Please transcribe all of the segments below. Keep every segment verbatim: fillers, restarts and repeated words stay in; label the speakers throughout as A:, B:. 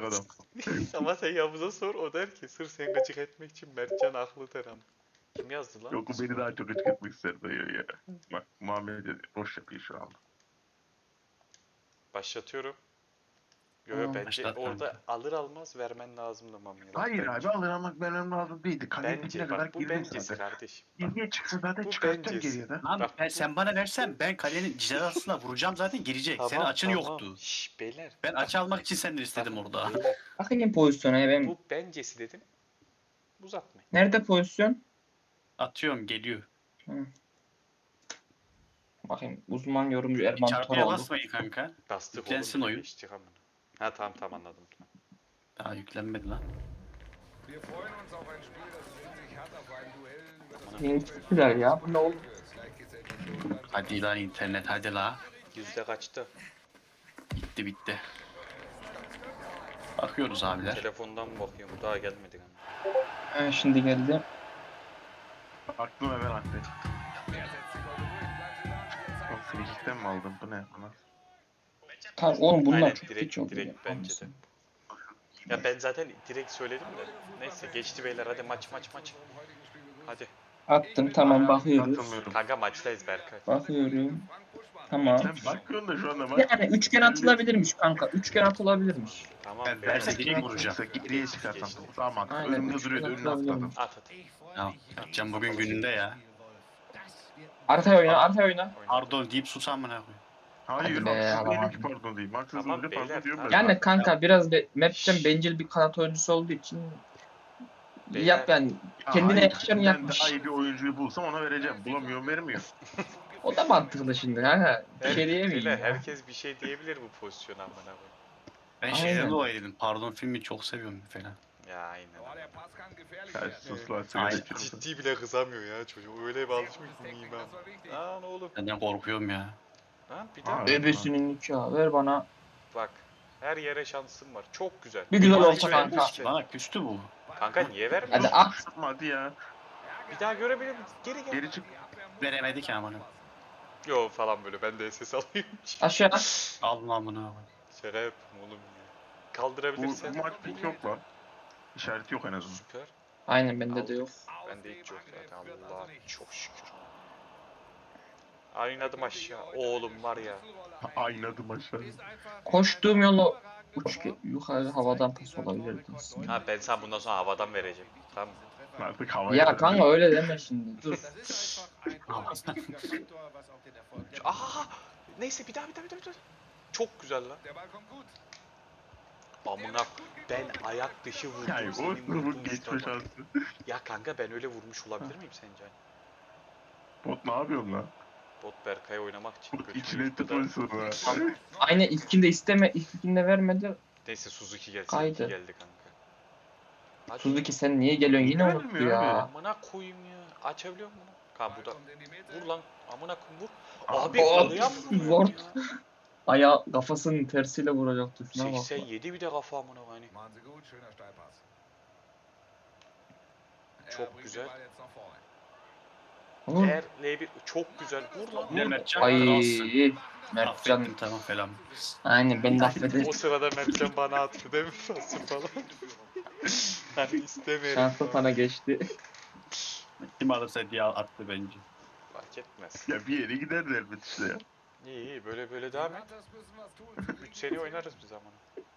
A: adam.
B: Ama sen Yavuz'a sor, o der ki sırf seni gıcık etmek için Mertcan haklı der ama. Kim yazdı lan?
A: Yok o beni daha çok açıklatmak ister dayı ya. Bak Muhammed de boş yapıyor şu anda.
B: Başlatıyorum. Yo yo
C: Tamam.
B: bence
D: Başlat
B: orada
D: kanka.
B: alır almaz vermen lazımdı Mami'ye. Bak,
A: Hayır
B: bence.
A: abi alır ama ben önemli lazım değildi. Kaleye dibine
B: Bence
A: kadar
B: bak bu
A: girdim
B: bencesi
A: zaten.
B: kardeşim. Bak,
A: Geriye çıksa zaten
B: bu
A: çıkartacağım
B: bencesi.
A: geriye de.
D: Lan
B: Bak,
D: ben,
B: bu-
D: sen bana versen ben kalenin cizasına vuracağım zaten girecek. Senin açın yoktu.
B: Şşş beyler.
D: Ben açı almak için senden istedim
B: Bak,
D: orada.
B: beyler,
C: Bakayım pozisyona ya ben.
B: bu bencesi dedim. Uzatmayın.
C: Nerede pozisyon?
D: Atıyorum geliyor.
C: Hı. Bakayım uzman yorumcu
D: Bir
C: Erman
D: çarpıya
C: Toroğlu.
D: basmayın kanka.
B: Bastık
D: Yüklensin
B: oğlum.
D: oyun.
B: Geçtik amına. Ha tamam tamam anladım.
D: Daha yüklenmedi lan.
E: Wir freuen uns auf ein Spiel, das sich in sich hat auf ein Duell über das
C: Yeni çıktılar ya. Bu ne oldu?
E: Gleichgesetzte
D: Hadi lan internet hadi la.
B: Yüzde kaçtı?
D: Bitti bitti. Bakıyoruz abiler.
B: Telefondan mı bakıyorum? Daha gelmedik ama.
C: Ha, şimdi geldi.
A: Aklım hemen attı. Oğlum frikikten mi aldın? Bu ne? Ana.
C: Tamam oğlum bunlar
B: Aynen,
C: çok
B: direkt-
C: geç oldu.
B: direkt
C: ya.
B: bence de. Ya ben zaten direkt söyledim de. Neyse geçti beyler, hadi maç maç maç. Hadi.
C: Attım tamam bakıyoruz.
A: Atılmıyorum.
B: Kanka maçtayız Berkay.
C: Bakıyorum. Tamam.
A: Sen bakıyorsun da şu anda bak.
C: Yani üçgen atılabilirmiş kanka. Üçgen atılabilirmiş.
B: Tamam
D: Ben
B: beyler.
D: verse direkt vuracağım.
A: Geriye çıkartan. Daha mantıklı.
C: Aynen,
A: Önümde
C: üç
A: duruyordu.
C: kere
A: Önüne atladım.
C: atılabilirmiş.
B: At at.
D: Ya Can bugün gününde ya.
C: Arkaya oyna, arkaya oyna.
B: Oyna.
D: Pardon deyip sus amına koyayım.
A: Hayır
C: Hadi be,
A: haksız değilim
C: alamadım.
A: ki pardon diyeyim. Haksız
B: Tamam
A: olunca
B: beyler,
A: pardon diyorum ben.
B: tamam.
C: Yani kanka biraz be, Mertcan bencil bir kanat oyuncusu olduğu için
B: Beyler.
C: yap yani
A: Ya
C: kendine
A: hayır,
C: yakışanı
A: ben de
C: yapmış.
A: Ay bir oyuncuyu bulsam ona vereceğim. Bulamıyorum vermiyor.
C: O da mantıklı şimdi kanka. Bir
B: Her-
C: şey diyemeyim
B: beyler,
C: ya.
B: herkes bir şey diyebilir bu pozisyona amına koyayım.
D: Ben
C: Aynen.
D: şeyden dolayı dedim. Pardon filmi çok seviyorum falan.
B: Ya aynen.
E: Da war der Pass kann gefährlich
A: Ya
E: werden.
A: sus lan
D: Aynen.
A: sigara içiyorsun.
B: Ciddi bile kızamıyor ya çocuk. Öyle bir alışmış bu miyim
E: Das war wichtig.
B: ben. Lan oğlum.
D: Senden korkuyorum ya.
B: Lan bir daha.
A: Aa.
C: Bebesinin nikahı ver bana.
B: Bak. Her yere şansım var. Çok güzel.
C: Bir güzel
B: Bana
C: olsa
B: hiç
C: kanka.
B: vermemiş ki.
D: Bana küstü bu.
B: Kanka niye vermiyor?
C: Hadi at.
A: Yapma hadi ya.
B: Bir daha görebilir miyim? Geri gel.
A: Geri çık.
D: Veremedi ki amına.
B: Yo falan böyle, ben de ses alayım.
C: Aşağı.
D: Al lan bunu.
B: Şaka yapayım oğlum ya.
A: Bu,
B: Kaldırabilirsen.
A: bu maç pek yok lan. İşareti yok en azından.
B: Süper.
C: Aynen bende de yok.
B: Bende hiç yok zaten. Allah çok şükür. Oynadım aşağı. Oğlum var ya.
A: Aynı adım aşağı.
C: Koştuğum yolu uç yukarı havadan pas olabilirdi aslında.
B: Ha ben sana bundan sonra havadan vereceğim. Tamam.
A: Artık havaya
C: Ya
A: verdim.
C: kanka öyle deme şimdi. Dur.
B: Aha! Neyse bir daha bir daha bir daha. Bir daha. Çok güzel lan.
E: Der Ball kommt gut.
B: Amına ben ayak dışı vurdum.
A: Yani o
B: senin
A: sınıfın
B: vurduğun
A: geçme
B: şuta bak.
A: şansı.
B: Ya kanka ben öyle vurmuş olabilir miyim sence?
A: Bot ne yapıyorsun lan?
B: Bot Berkay'a oynamak için.
A: Bot
B: götünü
A: içine etti
B: yırttı da-
A: pozisyonu ha.
C: Aynı ilkinde isteme, ilkinde vermedi.
B: Neyse Suzuki gelsin.
C: Kaydı.
B: Suzuki geldi kanka. Hadi.
C: Suzuki sen niye geliyorsun yine
A: Vermiyor
C: unuttu ya.
A: abi.
B: Amına koyayım ya. Açabiliyor musun? Ha bu da.
E: Kommt in die Mitte.
B: Vur lan. Amına koyayım vur.
A: Abi,
B: Abi
C: Aa,
B: oraya mı vuruyorsun
C: zor.
B: ya?
C: Ayağı kafasının tersiyle vuracaktı şuna bak.
B: seksen yedi bir de kafa amına koyayım.
E: Machen Sie gut, schöner Steilpass.
B: Çok
E: Er bringt den
B: güzel.
E: Ball jetzt nach vorne.
C: Vur.
B: Eğer L bir çok güzel vur lan.
D: Ne Mertcan
C: Ay
D: kralsın.
C: Mertcan.
D: Affettim tamam falan.
C: Aynen ben de affederim.
B: O sırada Mertcan bana attı değil mi? Fasıl falan. Hani istemiyorum.
C: Şanslı
B: falan.
C: sana geçti.
D: Kim alırsa diye attı bence.
B: Fark etmez.
A: Ya bir yere gider elbet işte ya.
B: İyi iyi böyle böyle devam et.
E: Matas müssen was tun.
B: üç seri oynarız biz amına.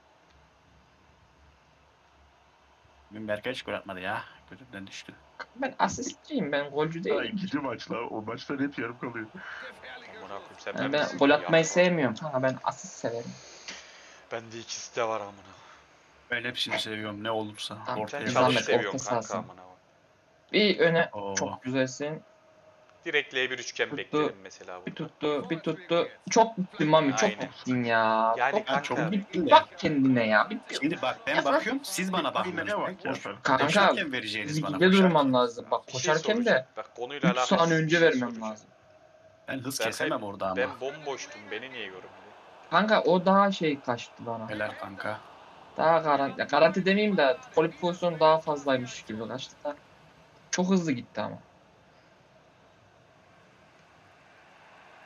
D: Bugün Berkay hiç gol atmadı ya. Gözümden düştü.
C: Ben asistçiyim ben golcü
A: Ha,
C: değilim.
A: ikinci maç la. O maçlar hep yarım kalıyor.
E: Gefährliche
B: Amına koyayım sen
C: Yani
B: ben
C: ben gol atmayı sevmiyorum kanka ben asist severim.
B: Bende ikisi de var amına.
D: Ben hepsini seviyorum ne olursa.
C: Tamam,
D: Ortaya
B: Sen
C: Zahmet,
B: çalış
C: orta
B: seviyorsun kanka
C: sahasın.
B: amına. koyayım.
C: Bir öne
D: Oo.
C: çok güzelsin.
B: Direkt L bir üçgen
C: Tuttu.
B: beklerim mesela
C: Bir
B: burada.
C: tuttu, bir tuttu. Çok gittin Mami, çok
B: Aynen.
C: gittin ya.
B: Yani
C: çok,
B: kanka-
D: çok
C: bir,
D: de.
C: bir bak kendine ya. Bir,
D: Şimdi bak ben bakıyorum siz bana bakmıyorsunuz.
A: Aynaya bak ya.
D: Boş-
C: kanka
D: Koşarken vereceğiniz bana.
C: ligde
D: koşarken.
C: durman lazım. Bak
B: Bir şey
C: koşarken de
B: soracağım. Bak konuyla
C: üç
B: alakalı
C: saniye
B: bir
C: önce
B: şey
C: vermem
B: soracağım.
C: lazım.
D: Ben hız
B: Berkay,
D: kesemem orada ama.
B: Ben bomboştum. Beni niye görmedi?
C: Kanka o daha şey kaçtı bana.
D: Helal kanka.
C: Daha garanti, ya garanti demeyeyim de gol pozisyonu daha fazlaymış gibi kaçtı da. Çok hızlı gitti ama.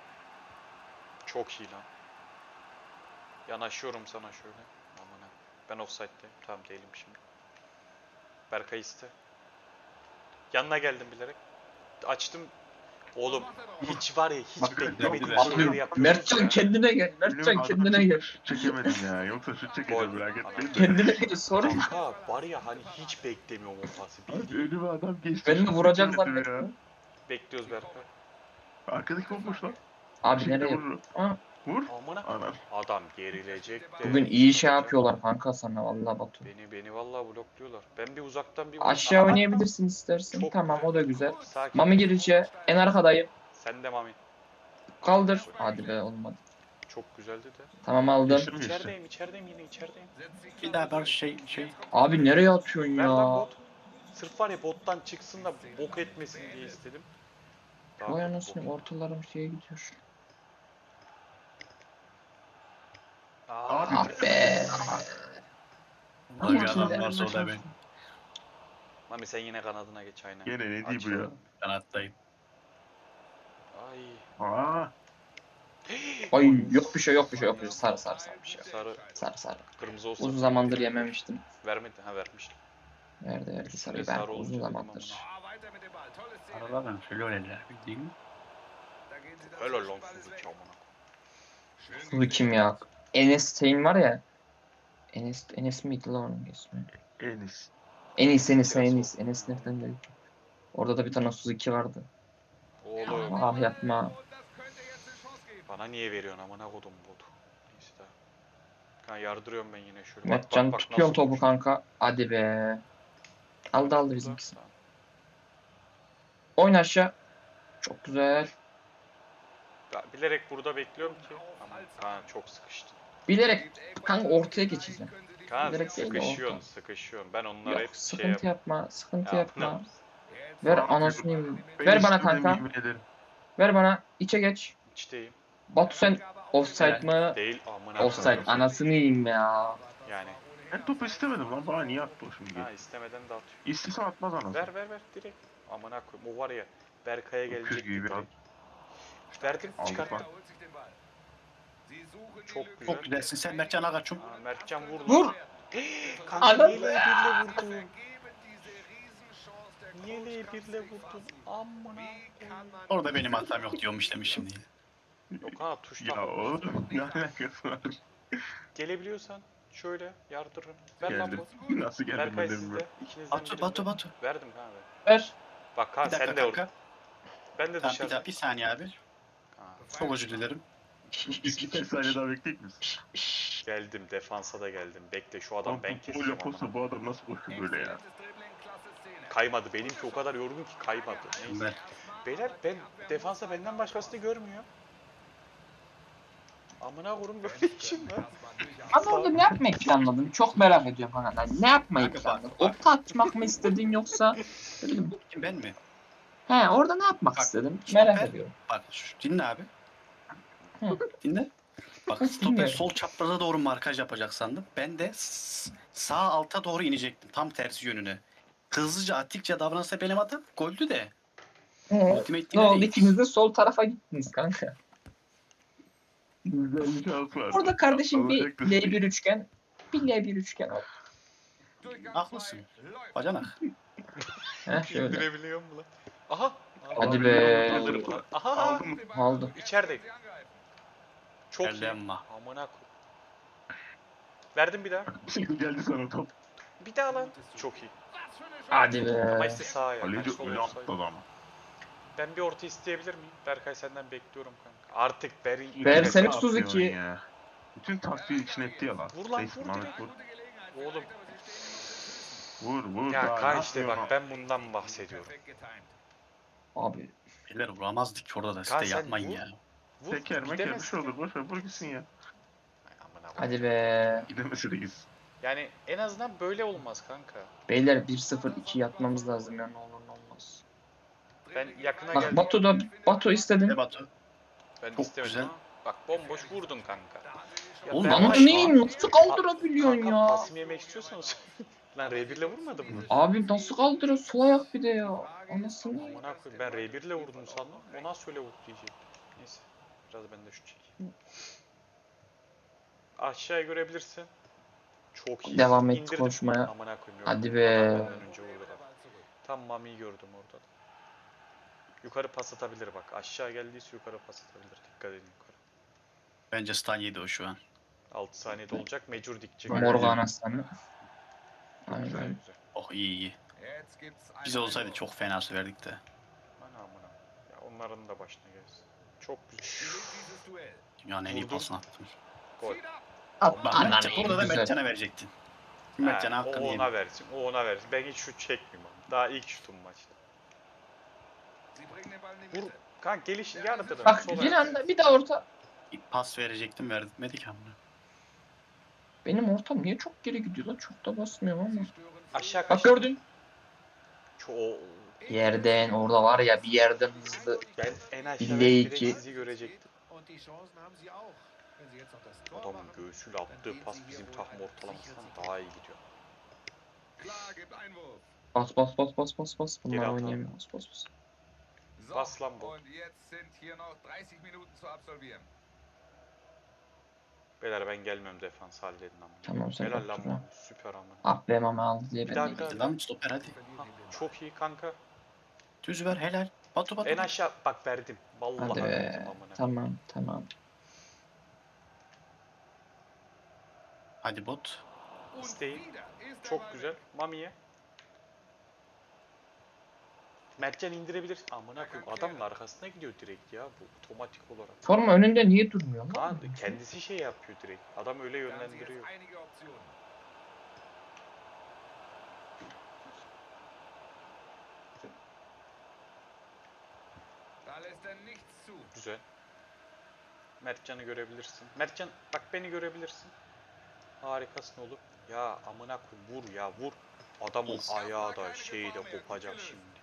B: Çok iyi lan. Yanaşıyorum sana şöyle. Amına. Ben offside'deyim. Tamam değilim şimdi. Berkay iste. Yanına geldim bilerek. Açtım. Oğlum hiç var ya hiç
A: Bak,
B: beklemediğim
D: bak,
B: şeyleri yapıyorsun
C: Mertcan
B: ya.
C: kendine gel.
A: Benim
C: Mertcan
A: adam
C: kendine gel.
A: şut çekemedim ya. Yoksa şut
B: Gol.
A: çekeceğim merak etmeyin de.
C: Kendine gel sorun.
B: Kanka var ya hani hiç beklemiyorum o pası. Bildiğin.
A: Önüme adam geçti.
C: Ben de
A: şut
C: vuracak
A: çekemedim ya.
C: zannettim.
B: Bekliyoruz Berkay.
A: Arkadaki bomboş lan.
C: Abi
A: Şimdi
C: nereye?
A: vurur.
C: Aa,
A: Vur.
B: Amına.
A: Anam.
B: Adam gerilecek de.
C: bugün iyi şey yapıyorlar kanka sana vallahi Batu.
B: Beni beni vallahi blokluyorlar. Ben bir uzaktan bir
C: Aşağı
B: Aha,
C: oynayabilirsin istersen.
B: Çok
C: Tamam
B: güzel.
C: o da güzel.
B: Sakin.
C: Mami girişe en arkadayım.
B: Sen de Mami.
C: Kaldır. Hadi be olmadı.
B: Çok güzeldi de.
C: Tamam aldım.
A: Geçti mi geçti?
B: İçerideyim, içerideyim yine içerideyim.
D: Bir daha bir şey şey.
C: Abi nereye atıyorsun
B: Ver lan
C: ya?
B: bot. Sırf var ya bottan çıksın da bok etmesin diye istedim. Daha
C: Vay
B: bok-
C: anasını ortalarım şeye gidiyor.
B: Aa,
C: Ah be.
D: Orada bir
C: Bakayım
D: adam
C: da.
D: varsa o da ben.
B: Mami sen yine kanadına geç aynen.
A: Gene ne diyor
B: Aç.
A: bu ya?
D: Kanattayım.
B: Ay.
A: Aa.
C: Ay yok bir şey yok bir şey yok bir şey. Sarı sarı sarı bir şey.
B: Sarı,
C: Sarı sarı.
B: kırmızı olsa.
C: Uzun zamandır yememiştim.
B: Vermedi, ha vermiştim.
C: Nerede verdi sarıyı
B: Sarı
C: ben
B: olunca
C: uzun
B: dedim
C: zamandır.
E: Ah, weiter mit dem Ball. Tolles Ziel.
D: Aralardan şöyle öyleler bildiğin.
E: Da gehen sie dann
B: Helal
E: zur
B: lan
E: Spielklasse.
B: Suzuki amına.
C: Bu kim ya? Enes Tein var ya. Enes, Enes miydi lan onun ismi?
A: Enis.
C: Enis, Enis,
B: Biraz
C: Enis. Enes nereden geldi? Orada da bir tane Suzuki vardı.
B: Oğlum
C: Ah yapma.
E: Und das könnte jetzt eine Chance geben.
B: bana niye veriyorsun amına kodum botu. Neyse daha. Kan yardırıyorum ben yine şöyle.
C: Mertcan tutuyorum
B: nasıl
C: topu
B: vurmuş.
C: kanka. Hadi be. Aldı aldı bizimkisi.
B: Tamam.
C: Oyun aşağı. Çok güzel.
B: Ya, bilerek burada bekliyorum ki. Ama Kaan çok sıkıştı.
C: Bilerek kanka ortaya geçeceğim.
B: Kaan
C: Bilerek değil de
B: sıkışıyorsun
C: orta.
B: sıkışıyorsun. Ben onlara hep
C: Yok
B: şey
C: sıkıntı
B: yap.
C: yapma. Sıkıntı
B: Ya,
C: yapma.
E: Jetzt
C: Ver
A: Aa,
C: anasını yiyeyim.
A: Ben
C: Ver bana
A: istemedim,
C: kanka.
A: yemin ederim.
C: Ver bana. İçe geç.
B: İçteyim.
C: Batu sen offside mı?
B: Değil amına.
C: Offside.
B: koyayım.
C: Anasını yiyeyim ya.
B: Yani.
A: Ben topu istemedim lan. Bana niye attı o şimdi?
B: Ha istemeden de atıyor.
A: İstesem atmaz anasını.
B: Ver ver ver direkt. Amına koyayım. O var ya. Berkay'a
A: Öküz
B: gelecek
A: gibi
B: direkt.
A: at.
B: Verdim
A: Aldık
B: çıkarttım.
A: lan.
E: holt sich den Ball. Sie suchen die
B: Çok
E: Lücke.
B: güzel.
D: Çok güzelsin sen Mertcan Agaç'ım.
B: Aa, Mertcan vurdu.
C: Vur.
B: Kanka
C: Anam.
B: niye L birle vurdun?
E: Vergeben diese Riesenchance der
B: Niye L birle
E: Kreuzklasse
B: vurdun?
E: verpassen.
B: Amına.
E: Wie kann man
D: Orada benim hatam yok diyormuş demiş şimdi.
B: Yok ha tuştan.
A: Ya oğlum ne alakası var?
B: Gelebiliyorsan şöyle yardırırım. Ver lan
A: Geldim.
B: bu.
A: Nasıl geldim
B: Berkay
A: ben de
B: sizde.
A: bilmiyorum.
B: İkinizden
D: Batu
B: birinde.
D: Batu Batu.
B: Verdim kanka.
C: Ver.
B: Bak ha
D: Bir dakika
B: sen de orada.
D: kanka.
B: Ben de
D: Tamam, bir,
B: dışarıda.
D: daha, bir saniye abi.
B: Ha,
D: Çok özür dilerim.
A: İki, iki saniye daha bekleyecek misin?
B: geldim defansa da geldim. Bekle şu adam
A: Adam
B: ben
A: bu
B: keseceğim
A: böyle
B: amına.
A: posta bu adam nasıl koşuyor böyle ya?
E: exzellentes Dribbling, klasse Szene.
B: Kaymadı. Benimki o kadar yorgun ki kaymadı. Neyse.
D: Ben.
B: Beyler ben defansa benden başkasını görmüyor. Amına kurum böyle işim var.
C: Ama orada ne yapmayı planladın? Çok merak ediyorum kanka. Ne yapmayı
D: Kanka bak,
C: planladın?
D: bak.
C: Okta atmak mı istedin yoksa? Dedim.
D: Kim ben mi?
C: He orada ne yapmak
D: Bak,
C: istedin?
D: stoper-
C: Merak ediyorum.
D: Bak şu, dinle abi.
C: Hı.
D: Dinle. Bak
C: Hı,
D: stoper
C: dinliyorum.
D: sol çapraza doğru markaj yapacak sandım. Ben de s- sağ alta doğru inecektim. Tam tersi yönüne. Hızlıca attıkça davransa benim atam goldü de.
C: He.
D: Ultimate
C: Ne oldu?
D: değil.
C: İkiniz de sol tarafa gittiniz kanka.
A: Güzel bir şans var.
C: Orada kardeşim bir
A: Alacaktı.
C: L bir üçgen, bir L bir üçgen oldu.
D: Haklısın. Bacanak.
C: He şöyle.
B: Görebiliyor mu lan? Aha.
C: Hadi be.
B: Alırım lan. Aha.
A: Aldın mı?
C: Aldı.
B: İçerideyim. Çok iyi.
D: Ellenme.
B: Amına koy. Verdim bir daha.
A: Geldi sana top.
B: Bir daha lan. Çok iyi.
C: Hadi
B: Ama
C: be.
B: işte sağa ya.
A: Kaleci
B: Sol
A: öyle
B: olsaydı.
A: attı adam.
B: Ben bir orta isteyebilir miyim? Berkay senden bekliyorum kanka. Artık Beri...
C: Ver
A: Ne
C: seni
A: yapıyorsun
C: Suzuki.
A: ya? Bütün taktiği içine etti ya lan.
B: Vur lan,
A: Neyse,
B: vur
A: Mehmet
B: direkt.
A: vur.
B: Oğlum.
A: Vur vur.
B: Ya
A: daha
B: Kaan
A: ne
B: işte bak
A: yapıyorsun
B: ben bundan bahsediyorum.
E: Perfekt getimed.
C: Abi.
D: Beyler vuramazdık ki orada da
B: Kaan
D: siz de
B: sen
D: yapmayın
B: vur.
D: ya.
B: Vur.
A: Teker meker bir
B: gidemezsin.
A: şey olur. Boş ver vur gitsin ya.
B: Ay, amına koyayım.
C: Hadi be.
A: Gidemese de gitsin.
B: Yani en azından böyle olmaz kanka.
C: Beyler bir sıfır iki yatmamız lazım ya ne olur ne olmaz.
B: Ben yakına
C: Bak
B: geldim.
C: Batu da Batu istedin.
D: Ne Batu?
B: Ben
D: çok
B: istemedim
D: güzel.
B: ama. Bak bomboş vurdun kanka. Ya
D: Oğlum,
B: ben
D: ama
C: Lan
B: baş-
C: neyim nasıl kaldırabiliyorsun
B: Kanka
C: ya?
B: pasımı yemek istiyorsanız. Lan R bir ile vurmadım mı?
C: Abi nasıl kaldırıyor sol ayak bir de ya. Anasını.
B: Amına koyayım ben R bir ile vurdum sandım. O nasıl öyle vurdu diyecektim. Neyse. Biraz ben de şu çekeyim. Aşağıya görebilirsin. Çok iyi.
C: Devam et
B: İndirdim.
C: koşmaya.
B: Amına koyayım.
C: Hadi
B: yok.
C: be.
B: Adam benden önce vurdu. Tam Mami'yi gördüm orada. da. Yukarı pas atabilir bak. Aşağı geldiyse yukarı pas atabilir. Dikkat edin yukarı.
D: Bence stun yedi o şu an.
B: altı saniyede olacak. Mecur dikecek.
A: Aynen.
C: Morgan aslanı.
B: Güzel
C: Aynen.
B: güzel.
D: Oh iyi iyi.
E: Jetzt gibt's einen
D: Biz olsaydı
E: Einwurf.
D: çok fena söverdik de.
B: Ana amına. Ya onların da başına gelsin. Çok güzel.
E: Gewinnt dieses Duell.
D: Dünyanın en iyi
B: Vurdum.
D: pasını attım.
B: Gol.
E: Zieht ab.
C: At
D: Bak
C: ananı
D: Mertcan, burada da
C: güzel.
D: Mertcan'a verecektin.
B: Ha,
D: Mertcan'a
B: o
D: hakkını
B: ona
D: yemin.
B: versin. O ona versin. Ben hiç şut çekmiyorum abi. Daha ilk şutum maçta.
E: Sie bringen den Ball in die
B: Vur.
E: Mitte.
B: Kanka geliş yarıda.
C: Bak bir anda bir daha orta.
D: Pas verecektim vermedik ama.
C: Benim ortam niye çok geri gidiyor lan? Çok da basmıyor ama.
E: Sie stören
B: Aşağı
C: Bak
B: kaç.
C: gördün.
B: Çok.
C: Yerden orada var ya bir yerden hızlı.
B: Ben en aşağıda
C: Bille
B: direkt
C: iki.
B: sizi görecektim.
E: Und die Chancen haben sie auch. Wenn sie jetzt noch das Tor
B: Adamın
E: machen,
B: göğsüyle attığı pas bizim takım ortalamasından daha iyi gidiyor.
E: klar gibt Einwurf.
C: Bas bas bas bas bas bas. Bunlar
B: Geri at abi.
C: oynayamıyor. Bas bas bas.
E: So,
B: Was, Lambo?
E: und jetzt sind hier noch dreißig Minuten zu absolvieren.
B: Beyler ben gelmiyorum, defans halledin ama.
C: Tamam sen
B: Helal lan
C: bak.
B: Mami, süper ama.
C: Ah be mama aldı diye
B: Bir
C: ben
B: daha,
C: de
B: bir daha.
D: Hadi lan stoper hadi.
B: Ha, çok iyi kanka.
D: Düz ver helal. Batu Batu.
B: En aşağı bak verdim. Vallahi
C: Hadi
B: verdim
C: be.
B: amına.
C: Tamam tamam.
D: Hadi bot.
E: Und
B: İsteyin.
E: wieder ist der
B: Çok
E: Ball
B: güzel.
E: weg.
B: Mami'ye. Mertcan indirebilir. Amına koyayım. Adamın arkasına gidiyor direkt ya bu otomatik olarak.
C: Forma önünde niye durmuyor lan?
B: Kaan kendisi şey yapıyor direkt. Adam öyle
E: Da haben sie jetzt
B: yönlendiriyor.
E: einige Optionen. Da lässt er nichts zu.
B: Güzel. Mertcan'ı görebilirsin. Mertcan bak beni görebilirsin. Harikasın oğlum. Ya amına koyayım vur ya vur. Adamın
D: Of.
B: ayağı da şeyi de kopacak şimdi.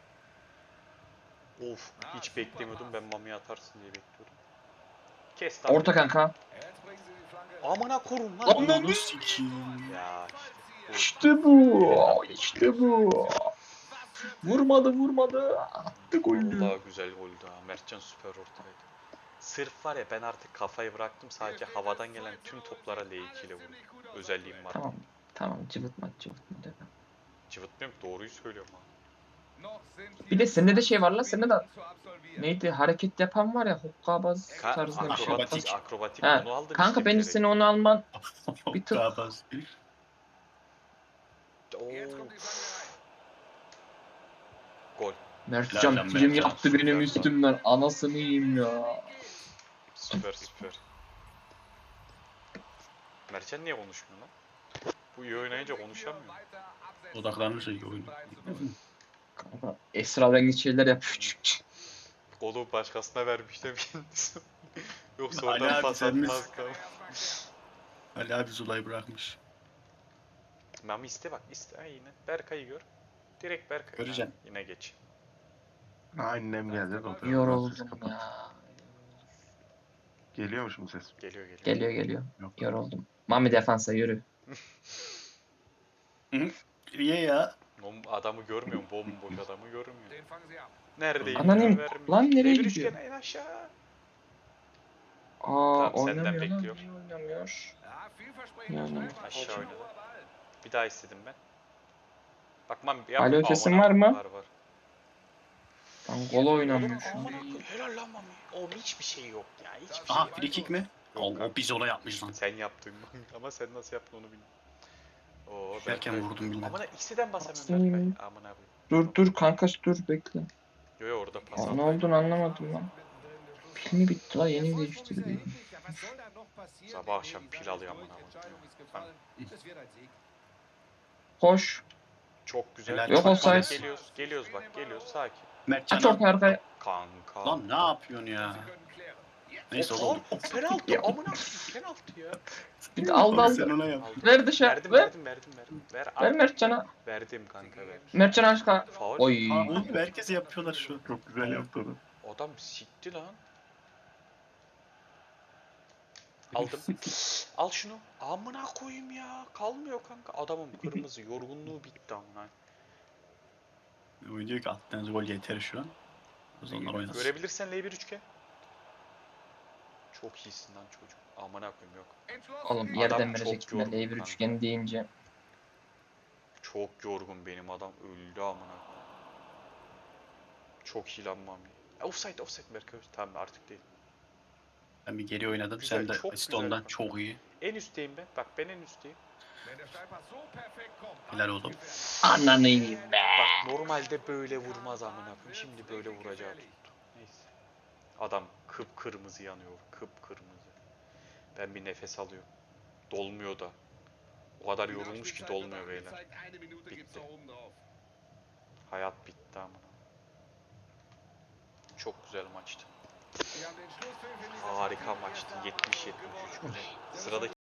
B: Of hiç beklemiyordum, ben Mami'ye atarsın diye bekliyordum. Kes lan.
C: Orta kanka.
E: Jetzt bringen sie die Flanke.
B: Amına korum lan.
C: Ananı
D: sikiyim.
B: Ya işte.
C: İşte bu. İşte bu. Vurmadı vurmadı. Attı golü.
B: Vallahi güzel goldü ha. Mertcan süper ortaydı. Sırf var ya, ben artık kafayı bıraktım, sadece havadan gelen tüm toplara L iki ile vurdum. Özelliğim var.
C: Tamam. Tamam cıvıtma cıvıtma dedim.
B: Cıvıtmıyorum, doğruyu söylüyorum ha.
E: Noch sind
C: Bir de
E: hier
C: sende de şey var lan, sende de
E: Minuten zu absolvieren.
C: neydi hareket yapan var ya, hokkabaz
B: Ka
C: tarzında bir şey.
B: akrobatik, akrobatik
C: Ha,
B: onu aldım
C: kanka
B: işte
C: bence
B: bilerek.
C: seni onu alman. Bir tık-
D: Daha bas.
B: Oo,
E: Jetzt kommt die Flanke rein.
B: gol.
C: Mertcan
D: Lan
C: film
D: Mertcan,
C: yaptı benim
B: süper.
C: üstümden. Anasını yiyeyim ya.
B: Süper süper. Mertcan niye konuşmuyor lan? Bu iyi oynayınca konuşamıyor.
E: Weiter absetzen.
D: Odaklanırsa iyi oyun.
C: Kanka esrarengiz şeyler yapıyor.
B: Golü başkasına vermiş de kendisi. Yoksa
D: Ali
B: oradan
D: abi,
B: pas
D: sen misin?
B: atmaz kaldı.
D: Ali abi Zula'yı bırakmış.
B: Mami iste bak, iste. Ha, yine Berkay'ı gör. Direkt Berkay.
D: Göreceğim.
B: Ha, yine geç.
A: Annem geldi. de oturuyor.
C: Yoruldum
A: Kapat.
C: ya.
A: Geliyor mu şimdi ses?
B: Geliyor geliyor.
C: Geliyor geliyor.
A: Yok.
C: Yoruldum. Mami defansa yürü.
D: Niye ya?
B: Oğlum adamı görmüyorum, bomboş adamı görmüyor.
E: Den fangen sie ab.
B: Neredeyim?
C: Ananın-
B: Vermiyor.
C: lan nereye
B: Devir
C: gidiyor?
B: üçgen en aşağı.
C: Aa
B: Tamam, senden
C: oynamıyor lan.
B: bekliyor.
C: Niye oynamıyor?
E: Ja, vielversprechender
C: Yani
E: Steilpass.
B: aşağı
E: Hohe
B: oynadı.
E: Ball.
B: Bir daha istedim ben. Bak Mami yapma.
C: Alo, sesin
B: Aman
C: var mı?
B: Var var.
C: Lan gol oynamıyor
B: Oğlum,
C: şu
B: aman
C: an.
B: akıllı. Helal lan Mami. Oğlum hiçbir şey yok ya. Hiçbir şey
D: Aha
B: yok.
D: free kick mi?
B: Yok
D: O, o
B: kanka.
D: biz ola yapmış lan.
B: Sen yaptın Mami. Ama sen nasıl yaptın onu bilmiyorum. Oo,
D: Derken
B: Berkay.
D: vurdum bilmem.
B: Amına ikisinden basamıyorum
C: Aslında-
B: Berkay. Amına koyayım.
C: Dur dur kanka dur bekle.
B: Yo yo orada pas
C: Aa,
B: aldım.
C: ne olduğunu anlamadım lan. Pil bitti la, yeni değiştirdi.
B: Sabah akşam pil alıyor amına koyayım.
C: Koş.
B: Çok güzel.
D: Helal.
C: Yok
B: Bak,
C: offside.
B: bak, Geliyoruz, geliyoruz bak, geliyoruz sakin.
D: Mertcan
C: Aç orta arkaya.
B: Kanka.
D: Lan ne yapıyorsun ya?
E: Sie können klären.
D: Neyse
B: Of,
D: oldu.
B: of, penaltı. Amına koyayım, penaltı ya.
C: Bir de aldı
D: Sen
C: aldı.
D: ona yap.
B: Aldım.
C: Ver dışarı.
B: Verdim,
C: Ver.
B: verdim, verdim, verdim. Ver,
C: Ver
B: al.
C: Mertcan'a.
B: Verdim kanka, ver.
C: Mertcan aşka.
B: Faul.
C: Oy.
D: Aa, oğlum herkese yapıyorlar şu an.
A: Çok güzel yaptı onu.
B: Adam sikti lan. Aldım. Al şunu. Amına koyayım ya. Kalmıyor kanka. Adamın kırmızı yorgunluğu bitti amına.
D: Oyun diyor ki attığınız gol yeter şu an. O zaman oynasın.
B: Görebilirsen L bir üçgen. Çok iyisin lan çocuk. Amına koyayım yok.
C: Oğlum
B: Adam
C: yerden
B: çok
C: verecektim
B: yorgun
C: de L bir
B: kanka.
C: üçgeni deyince.
B: Çok yorgun benim adam. Öldü amına koyayım. Çok iyi lan Mami. E, Offside offside Berkay. Tamam artık değil.
D: Ben bir geri oynadım.
B: Güzel,
D: Sen de
B: çok
D: asist
B: güzel
D: ondan
B: pas.
D: çok iyi.
B: En üstteyim ben. Bak ben en üstteyim.
D: Helal oğlum.
C: Ananı yiyeyim be.
B: Bak normalde böyle vurmaz amına koyayım. Şimdi böyle vuracağı tuttu. Neyse. Adam kıpkırmızı yanıyor. Kıpkırmızı. Ben bir nefes alıyorum. Dolmuyor da. O kadar yorulmuş ki dolmuyor beyler. Bitti. Hayat bitti amına. Çok güzel maçtı. Harika maçtı. yetmiş yetmiş üç güzel. Sıradaki